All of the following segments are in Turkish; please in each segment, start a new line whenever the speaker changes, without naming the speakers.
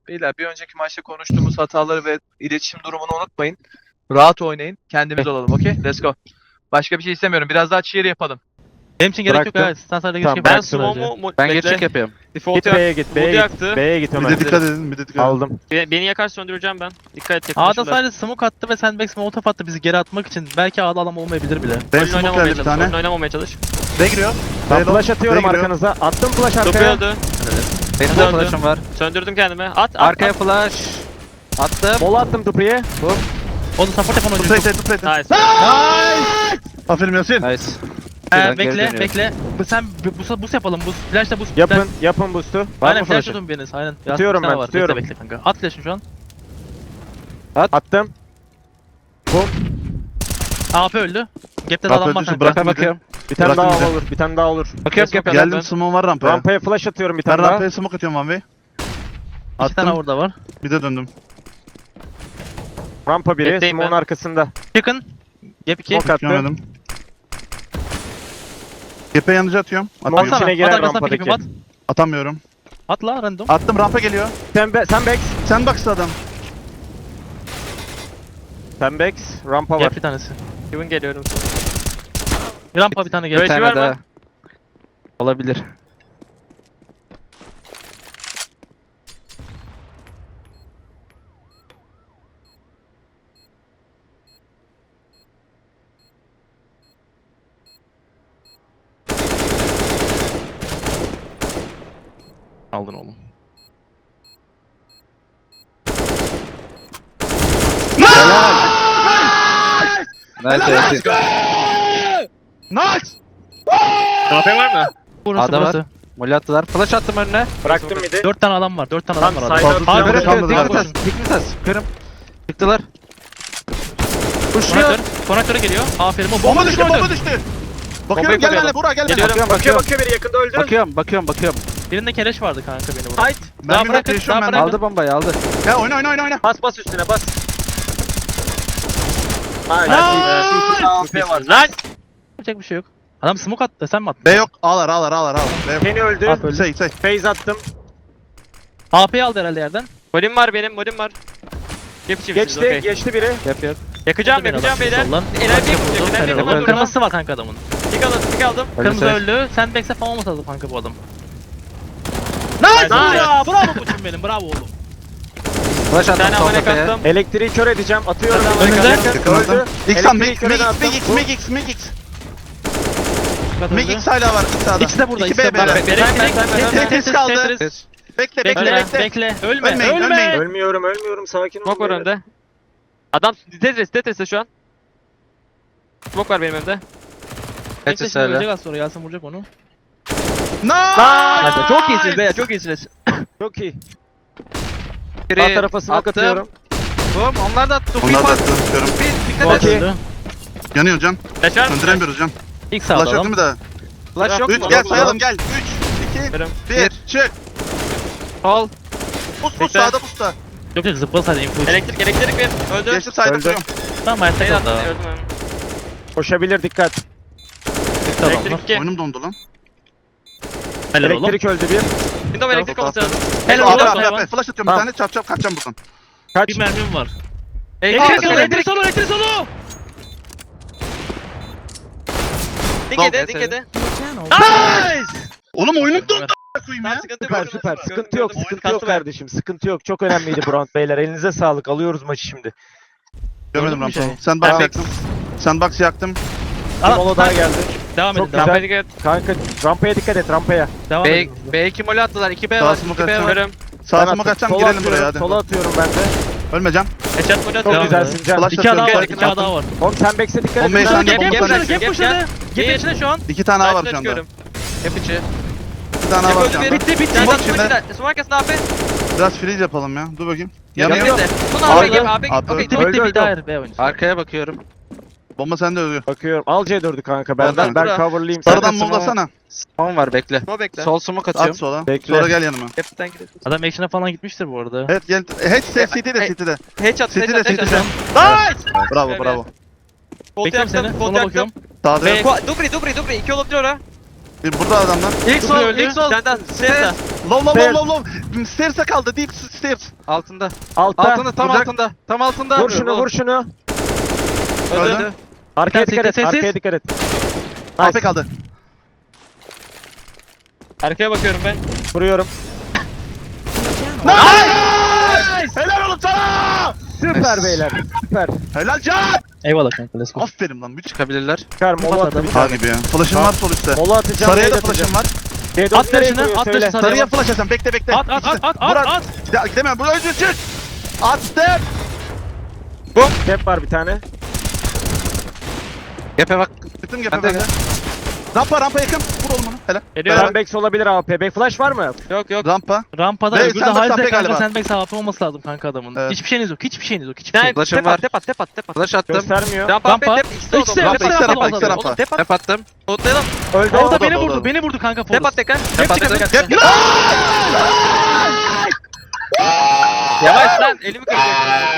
Beyler bir önceki maçta konuştuğumuz hataları ve iletişim durumunu unutmayın. Rahat oynayın. Kendimiz olalım, okey? Let's go. Başka bir şey istemiyorum. Biraz daha cheer yapalım.
Benim için gerek yok
Bıraktım.
evet. Sen sadece
Tamam,
geçip
ben
Ben
bıraksın sadece.
smoke'u
Ben
bekle.
geçik yapıyorum.
Default
Git B'ye git,
Umut
B'ye
yaktı.
git. B'ye git
Bir
Ömer.
de dikkat edin, bir de dikkat edin.
Aldım.
Beni yakar söndüreceğim ben. Dikkat et tek
A'da
başına.
sadece smoke attı ve Sandbags molotof attı bizi geri atmak için. Belki A'da adam olmayabilir bile.
Ben
Oyun
smoke
oynamamaya
geldi bir
çalış. Oyun
tane.
oynamamaya çalış.
B giriyor.
Ben
B long,
flash atıyorum
B giriyor.
arkanıza. Attım flash
Topu
arkaya.
öldü.
Benim
Döndü.
flash'ım var.
Söndürdüm kendimi. At.
Arkaya flash. Attım. Mola attım Dupri'ye.
O da support yapan
Tut
oyuncu.
plate, tut plate.
Nice.
Aferin Yasin.
Nice. Ben geri
Bekle
dönüyorum.
bekle. Sen boost yapalım. Boost. Flash'ta boost.
Yapın boost'u. Var
Aynen
mı
flash
flash'ı?
tutun biriniz. Aynen.
Tutuyorum
Yasin,
ben,
var.
tutuyorum.
Bekle kanka. At flash'ını şu an.
Attım. Bum.
AP öldü. Gap'te de
AP
adam var
öldüyse
kanka.
bırak.
Bakıyorum. Bir tane
Bıraktım
daha
bir de.
olur. Bir tane daha olur.
Bakıyorum
Bakıyorum.
kapıdan.
Geldim, smoke var rampaya.
Rampaya flash atıyorum bir
Ben
tane daha.
rampaya smoke atıyorum one way.
İki tane
Attım,
orada var.
bir de döndüm.
Rampa biri.
Bekleyeyim
Smoke'un
ben.
arkasında.
Chicken. Gap 2.
Smoke attı.
Görmedim. Gepe yanıcı atıyorum.
Smoke
Atamıyorum.
içine
At
girer
arkasına
rampadaki.
pikimi at.
Atamıyorum.
At la random.
Attım, rampa geliyor.
Sen Bex.
Sen baksın adam.
Sen Bex. Rampa var.
Gap bir tanesi.
Kevin geliyorum.
Rampa bir tane gap.
Böyle- var mı?
Olabilir.
Aldın oğlum.
Nice Yasin.
Nice!
AP var mı?
Burası
A'da var.
burası.
Molly attılar. Flash attım önüne. Bıraktım midi.
4 tane adam var. 4 tane adam var.
Tam
adam.
side
Fazla
out.
canım
Abi,
kalmadı
evet,
galiba.
evet.
Dikmişsiniz. Kırım. Çıktılar.
Konektör. Konektöre geliyor. Aferin. O
Bomba
bomba
düştü, bomba düştü. Bakıyorum, gel
koyalım.
benimle Burak, gel benimle.
Geliyorum.
Bakıyor biri yakında öldü. Bakıyorum.
Birinde keleş vardı kanka beni burada.
Fight.
Daha
Ben bir
bırakın,
yaşıyorum
daha
ben.
bırakın.
Aldı bombayı aldı.
Gel oyna.
Bas üstüne bas.
Nice.
Var. Lan.
Yapacak bir şey yok. Adam smoke attı. Sen mi attın?
B yok, ağlar. B yok.
Kenny öldü.
Abi öldü.
Say.
Phase attım.
AP'yi aldı herhalde yerden.
Modim var benim. Modim var.
Geçti biri. Yapıyor.
Yakacağım
Beni adam
beyler.
soldan.
Enerji
Vurdu,
yakacak. Enerji
helal olsun.
yakacak.
Kırmızısı var kanka adamın.
Tik aldım.
Kırmızı
Öldü.
öldü. Sandbags'e falan olmasa lazım kanka bu adam.
Nice.
Ya bravo buçum benim. Bravo oğlum.
Flash
Bir
attım
tane
sol
amane
kafaya.
kattım.
Elektriği kör edeceğim. Atıyorum.
Önünde.
Yakınladım. X lan,
Elektriği köreden attım.
Mix. Mix hala var sağda.
İkisi de burada.
2
İkisi de
B
burada.
B'de.
Ben-
kaldı. Bekle.
Bekle. Ölme.
Ölmeyin.
Ölmüyorum. Sakin
Smoke var önde. Adam Tetris'te şu an. Smoke var benim önümde.
Bekle şimdi ölecek az sonra. Yasin vuracak onu.
Nice!
Çok iyisiniz be. Çok iyisiniz.
Çok iyi. Sağ tarafa smoke atıyorum.
Onlar da attı.
Onlar da atıyorum.
Bu
Okey.
öldü.
Yanıyor can.
Flash var mı?
Söndüremiyoruz can.
İlk sağda
Flash yok
adam.
mu da?
Flash yok
3
mu?
gel sayalım gel. 3 2
Benim.
1 çık.
Sol.
Bus
Bekle.
sağda busta.
Yok yok zıpladı sadece info için.
Elektrik bir. Öldü.
Geçti sayda
Öldü.
kuruyorum.
Tamam hayatta
Beyler
kaldı.
öldüm ben.
Koşabilir dikkat.
İlk adam var.
Elektrik 2.
Oyunum dondu lan.
Helal oğlum.
Elektrik öldü bir.
Windows elektrik olması lazım.
Helal
Abi
oğlum.
abi
Hayvan.
abi flash atıyorum
Tamam.
bir tane çap kaçacağım buradan.
Kaç.
Bir mermim var.
Elektrik
Elektrik solu,
elektrik.
elektrik solu, elektrik solu.
Dingede.
Oğlum oyunum dondu koyayım ya.
Süper. Sıkıntı yok kardeşim. Sıkıntı yok. Çok önemliydi bu round beyler. Elinize sağlık. Alıyoruz maçı şimdi.
Görmedim
Gördün mü
rampayı.
şey?
Sandbox
Ben
yaktım. Sandbox yaktım.
Bir mola daha geldi.
Devam
Çok
edin, devam
güzel.
edin.
Kanka rampaya dikkat et rampaya.
Devam edin.
B2 mole attılar. 2B
Sağ
var.
smoke
2B var.
atıyorum.
Görüm.
Sağ
Ben
smoke
attım.
atacağım
Sola
girelim buraya
atıyorum,
hadi.
Sola atıyorum ben de.
Ölmeyeceğim.
Headshot modu
Çok
Devam
atıyorum.
güzelsin
edin.
Can.
Flash
İki adam var,
atıyorum.
iki adam var.
Oğlum sen back'e dikkat et.
Bombayı
Sen
sen de
Gap,
bomba
gap,
sen
gap,
de.
gap pushladı. Gap içinde şu an.
2 tane var şu anda.
Çıkıyorum.
Hep içi.
2 tane var şu anda.
Bitti, bitti.
Smoke
Smoke
şimdi.
Smoke arkasında AP.
Biraz freeze yapalım ya. Dur bakayım.
Yanıyor.
Yanıyor.
Son
Abi,
AP.
abi,
Okey.
Bitti,
Öldü,
bitti,
öldü.
bitti. Hayır, B oyuncusu.
Arkaya bakıyorum.
Bomba sende ölüyor.
Bakıyorum. Al C4'ü kanka. Ben
Al
ben coverlayayım.
Sarıdan
Sen de
mumlasana.
Son var bekle.
Smoke bekle.
Sol smoke
At
atıyorum.
sola.
Bekle.
Sonra gel yanıma.
Hepten gidiyorsun.
Adam action'a falan gitmiştir bu arada.
Evet gel. CT'de CT'de.
Headshot.
City'de,
Headshot.
City'de.
Nice.
Bravo.
Bekliyorum seni.
Kolt
Sola
yaktım.
bakıyorum.
Sağda yok.
Dubri. 2 olabilir ora.
Burada adamlar.
İlk
Dur,
sol,
öldü.
ilk sol. Senden, stairs'e.
Low. Stairs'e kaldı. Deep stairs.
Altında.
Altta.
Altında tam
Vuracak.
altında. Tam altında.
Vur şunu vur şunu.
Öldü.
Arkaya
Sessiz,
dikkat et.
sessiz.
Arkaya dikkat et.
AP
Nice.
kaldı.
Arkaya bakıyorum ben.
Vuruyorum.
Helal oğlum sana.
Süper beyler. Süper.
Helal Can.
Eyvallah kanka let's go.
Aferin lan. Müthiş.
Çıkabilirler.
Çıkar mola attı bir
Ha
tane.
gibi ya. Flash'ım var sol üstte.
Mola atacağım.
Sarıya da
raid atacağım.
flash'ım var.
C4
At
nereye
flash'ını,
vuruyor?
at
Söyle.
flash'ını.
Sarıya flash atacağım. Bekle.
At at.
Murat. Gidemem. Buraya önce çık. Attım.
Step var bir tane.
Gepe bak.
Gittim
Ben de
gepe. Rampa yakın. Vur oğlum onu. Helal.
Geliyorum.
Sandbags olabilir AP. Back flash var mı?
Yok.
Rampa.
Rampada
Ve
öbürü de
Sandbox
halde
AP
kanka
galiba.
sandbox AP olması lazım kanka adamın.
Evet.
Hiçbir şeyiniz yok. Hiçbir şeyiniz yok. Hiçbir
Sen
şey yok.
Flash'ım
tep
var.
at.
Flash attım.
Göstermiyor.
Rampa,
Rampa.
tep, ikisi de
İkisi de
oldu.
Rampa, ikisi de rampa, ikisi de rampa.
Tep at.
Tep attım.
Otlayalım.
Öldü.
Orada
Oldu,
beni
oldu,
vurdu.
oldu.
Beni vurdu kanka
Tep
Forrest.
at tekrar.
Tep attım.
Gel.
Yavaş lan elimi kıracak.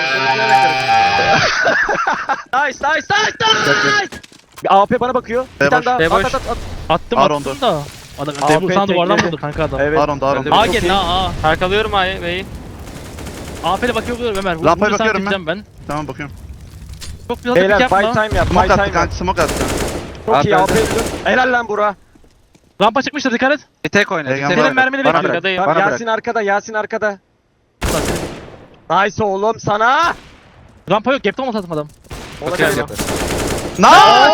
Nice.
Bir AP bana bakıyor. Bir
Boş.
tane daha.
Boş.
At.
Attım
Aron'du.
attım da. Adam
AP
Devil sana duvardan
tekledi.
vurdu kanka adam.
Evet.
Aron.
A gelin A.
Arkalıyorum A'yı B'yi.
AP'le bakıyorum Ömer.
Rampaya
Vurursan
bakıyorum
gideceğim ben.
Tamam bakıyorum.
Çok bir
Beyler
hafif
buy
yapma.
time yap. Buy
Smoke attı
time yap.
kanka. Smoke attı.
Çok iyi
AP
AP. Helal lan Bura.
Rampa çıkmıştır dikkat et.
Bir tek oyna.
Egen
Bir tek
var.
Senin mermini
Bana
bekliyor.
bırak.
Arkadayım.
Tamam,
Bana bırak.
Yasin arkada. Nice oğlum sana.
Rampa yok. Gap'te olmasa atım adam.
Olabilir.
Okey.
Nice!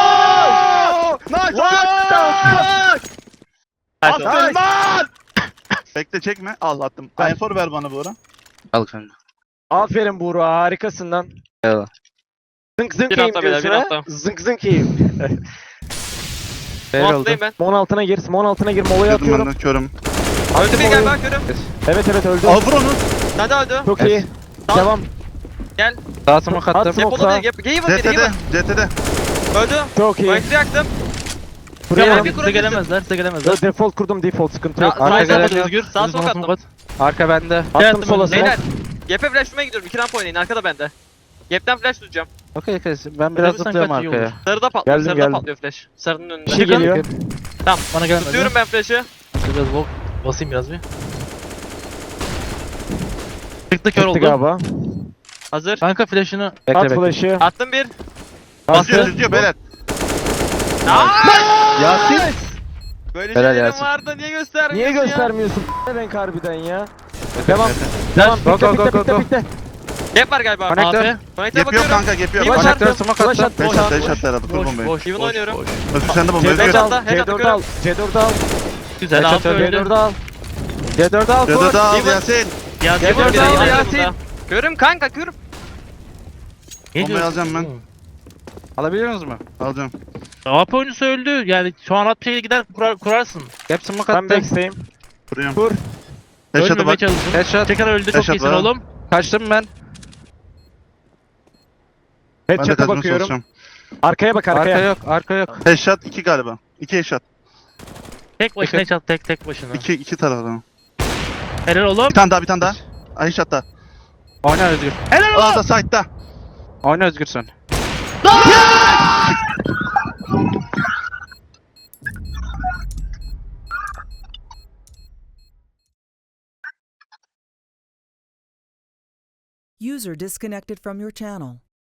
What the fuck?
Attın lan! Bekle çekme. Al attım. Enfor ver bana bu ara.
Al kanka.
Aferin Buğra harikasın lan.
Eyvallah.
Zınk zınk
Bir
yiyeyim
hafta beyler,
diyorsun
bir
ha?
hafta.
Zınk zınk yiyeyim.
Fail oldu.
Montlayayım ben.
Mon altına gir, mon altına gir, molaya
Girdim ben
atıyorum.
de körüm.
Öldü bir gel ben körüm.
Evet öldü.
Al vur onu.
Sen de öldü.
Çok iyi.
Tamam.
Devam.
Sağ smoke
At
attım.
smoke.
Depolu değil. Gaven biri
CT'de.
Gaven.
CT'de.
Öldü.
Çok iyi.
Bayıtı yaktım.
Buraya
Ya,
bak.
bir
Size
kurabilirsin.
gelemezler. Size gelemezler.
Default kurdum default sıkıntı yok.
Ya,
Arka
Sağ
gelen
sola
yok.
Özgür.
Sağ
Özgür
sok
bana
attım.
smoke at.
Arka bende.
Attım sola smoke.
Beyler. Gap'e flash'ıma gidiyorum. 2 rampa oynayın. Arkada bende. Gap'ten flash tutacağım.
Okey. Ben biraz
Sen
zıplıyorum
kaç iyi
arkaya.
olur.
Sarıda patlıyor.
Geldim,
Sarıda
geldim.
patlıyor flash. Sarının önünde.
Bir şey geliyor.
Bana gelemezler.
Tutuyorum ben flash'ı.
Biraz basayım biraz bir. Çıktı kör
Çıktı
oldu.
galiba.
Hazır.
Kanka flash'ını
Bekle
At
bekle.
flash'ı.
Attım bir.
Basıyor tutuyor beyler.
Yasin.
Böyle
Helal
şeylerim
Yasin.
vardı. Niye göstermiyorsun
Niye
ya?
göstermiyorsun? Ne renk harbiden ya. Devam. Devam.
Go,
Bitti
go, go,
bitti
go,
bitti
go.
bitti.
Gap var galiba.
Connector.
AP.
Connect'e
Gap yok
bakıyorum.
kanka gap yok.
İyi
Flash
başar.
Connector
attım.
smoke
Flash
attım.
attım.
Beş at herhalde. Kur
Boş
bombayı.
boş.
Even
boş,
oynuyorum.
boş.
Özgür sen de bombayı.
C4
Özgür.
al.
Head
C4
atıyorum.
al. C4 al.
Güzel
Headshot
AP
öldü.
öldü.
C4 al.
C4 al.
C4 al
Even.
Yasin.
Ya
Gap
C4
var bir
al
de
Yasin.
Yasin. Körüm kanka körüm.
Ne
Bombayı
diyorsun?
alacağım ben.
Alabiliyor musunuz mu?
Alacağım.
AP oyuncusu öldü. Yani şu an at bir şeye gider kurarsın.
Gap smoke
Ben
attım.
backstayim.
Vuruyorum.
Vur.
Headshot'a
Ölmemeye
bak.
çalışın.
Headshot.
Tekrar öldü çok
Headshot
iyisin
var.
oğlum.
Kaçtım ben.
Ben de
Headshot'a
kaçmaya
bakıyorum.
çalışacağım.
Arkaya bak
Arka
arkaya.
yok. Arka yok.
Headshot 2 galiba. 2 headshot.
Tek başına çat tek başına.
2 taraftan.
Helal oğlum.
Bir tane daha. Ay headshot daha.
Oyna Özgür.
Helal oğlum.
Aa da side'da.
Oyna Özgür sen.
User disconnected from your channel.